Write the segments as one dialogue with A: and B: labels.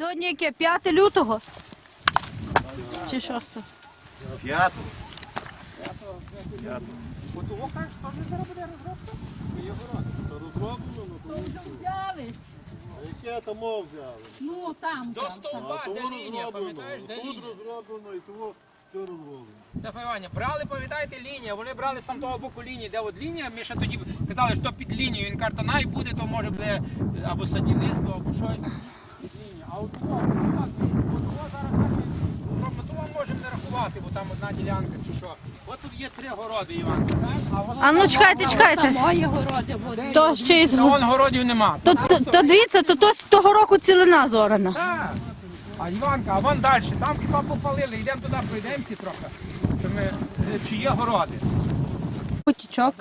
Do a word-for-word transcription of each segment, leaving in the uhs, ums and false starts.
A: Сьогодні яке? п'яте лютого? Чи шосте?
B: П'ятого. П'ятого. От того кажеш, що вже зараз буде розробка? Є город. То розроблено, ну то
A: взяли.
B: а яке там мов взяли?
A: Ну там.
C: До стовба, де лінія, пам'ятаєш, де
B: Тут
C: лінія?
B: розроблено і того все розроблено.
C: Стефан Іванович, брали, пам'ятаєте, лінія, вони брали з там того боку лінії, де от лінія, ми ще тоді казали, що під лінією, він каже, най буде, то може буде або садівництво, або щось. Під лінією. А от того, от того, от того зараз наші, ми того можемо не рахувати, бо там одна ділянка чи що. От тут є три городи, Іван, так? А, воно
A: А ну
C: там
A: чекайте,
C: мало.
A: чекайте.
D: Мої городи буде.
A: То ще із
C: Та вон городів нема.
A: то, то, то дивіться, то, то з того року цілина зорана.
C: Так. А Іванка, а вон далі, там хіба попалили, йдемо туди, пройдемося трохи, що ми, е, чи є городи.
A: Потічок.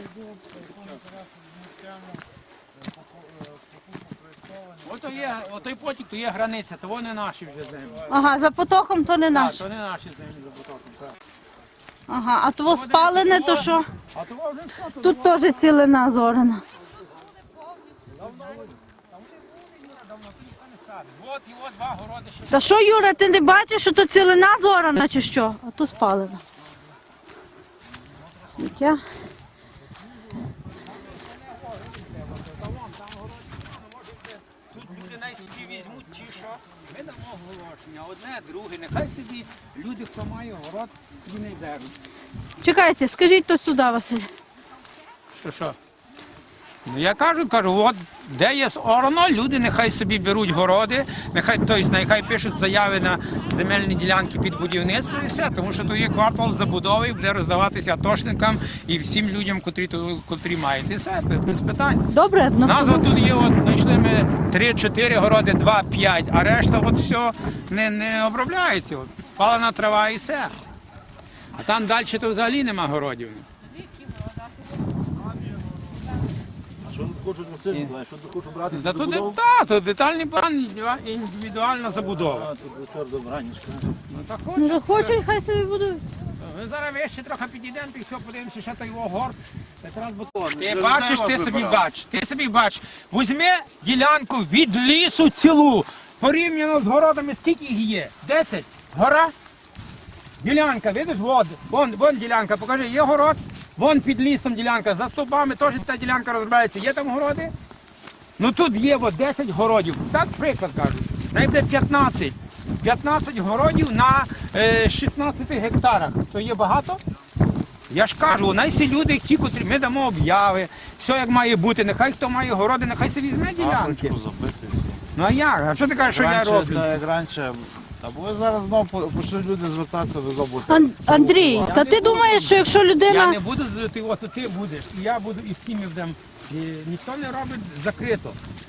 C: Ото є, отой потік, то є границя, то вони наші вже землі.
A: Ага, за потоком то не
C: Так,
A: наш.
C: то не наші землі за потоком, так.
A: Ага, а того спалене, то що?
C: А то вже що тут?
A: Тут теж цілина зорана.
C: От і от два городи ще.
A: Та що, Юра, ти не бачиш, що то цілина зорана чи що? А то спалена. Сміття.
C: Тут люди най собі візьмуть ті, що ми дамо оголошення, одне, друге, нехай собі люди, хто має город, собі не беруть.
A: Чекайте, скажіть то сюди, Василь.
C: Що що? Ну я кажу, кажу, от де є орно, люди нехай собі беруть городи, нехай, тобто, нехай пишуть заяви на земельні ділянки під будівництво і все, тому що то є квартал забудови, буде роздаватися атошникам і всім людям, котрі, котрі мають. І все, це без питань.
A: Добре?
C: У нас от тут є, от знайшли ми три-чотири городи, два-п'ять, а решта от все не, не обробляється. От, спалена трава і все. А там далі то взагалі нема городів.
B: Що тут хочуть насильно, знаєш, що тут хочуть брати?
C: Зато де, та, то детальний план, індивідуальна забудова.
B: А, тут до чорта бранічка.
C: Ну, так
A: Ну,
C: хочуть.
A: хочуть, хай собі будують.
C: Ми зараз вище трохи підійдемо, і все, подивимося, що то його горд. Якраз бо- Ти
B: вже
C: бачиш,
B: людей
C: ти
B: вас
C: собі
B: вибирали.
C: бач, ти собі бач. Візьми ділянку від лісу цілу, порівняно з городами, скільки їх є? Десять? Гора? Ділянка, видиш, вон, вон, вон ділянка, покажи, є город, вон під лісом ділянка, за стовбами теж та ділянка розробляється, є там городи? Ну тут є от десять городів, так приклад кажу, найде п'ятнадцять. п'ятнадцять городів на е, шістнадцяти гектарах, то є багато? Я ж кажу, найсі люди, ті, котрі ми дамо об'яви, все як має бути, нехай хто має городи, нехай собі візьме ділянки.
B: Запити.
C: Ну а як? А що ти кажеш, що я
B: Раніше,
C: роблю?
B: та, як раніше, або ви зараз знову по- почнуть люди звертатися, ви забудете.
A: Ан- Андрій, та ти думаєш, що якщо
C: Я
A: людина...
C: не буду, з- ти, от ти будеш, і я буду, і всі ми будемо. І ніхто не робить закрито.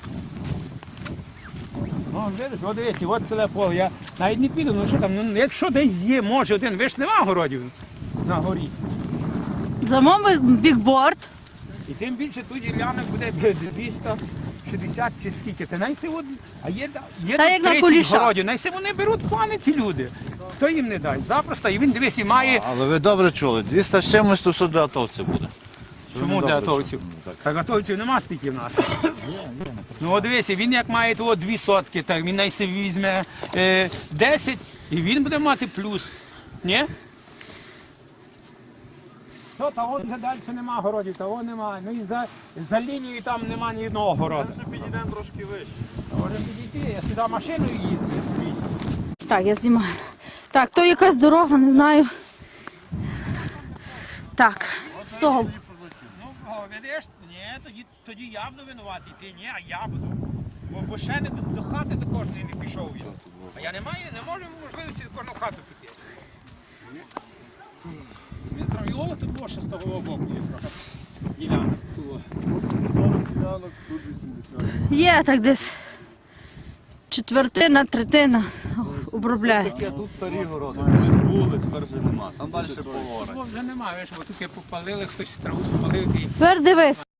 C: Ну, видиш, от дивіться, от ціле поле. Я навіть не піду, ну що там, ну якщо десь є, може один, ви ж нема городів на горі.
A: Замовив бікборд.
C: І тим більше тут ділянок буде двісті шістдесят чи скільки. Ти найси от, а є, є
A: Та
C: тут
A: як на
C: тридцять
A: Куліша.
C: городів, найси вони беруть плани ці люди. Хто їм не дасть? Запросто, і він дивись, і має.
B: Але ви добре чули, двісті з чимось, то все для атовців буде.
C: Чому
B: Ви
C: для
B: добре
C: атовців?
B: чули. Так.
C: Так атовців нема стільки в нас. Ну от дивися, він як має того дві сотки, так він найси візьме е, десять і він буде мати плюс. Ні? Що, та от вже далі нема городів, того нема. Ну і за, за лінією там нема ні одного городу.
B: Ми підійдемо трошки вище.
C: Можемо підійти, я сюди машиною їздив.
A: Так, я знімаю. Так, то якась дорога, не знаю. Так, з того.
C: Ну, о, видиш, ні, тоді, тоді я буду винуватий, ти ні, а я буду. Бо, бо ще не до, до хати до кожної не пішов я. А я не маю, не можу можливості до кожну хату піти. Ми з Равіола тут було ще з того боку є трохи ділянок. Тут.
B: Ділянок, тут вісімдесят.
A: Є так десь четвертина, третина обробляється.
B: Таке тут старі городи, колись були, тепер вже нема. Там далі полора.
C: Тут вже немає, бо тут попалили, хтось траву спалив. І...
A: Тепер дивись.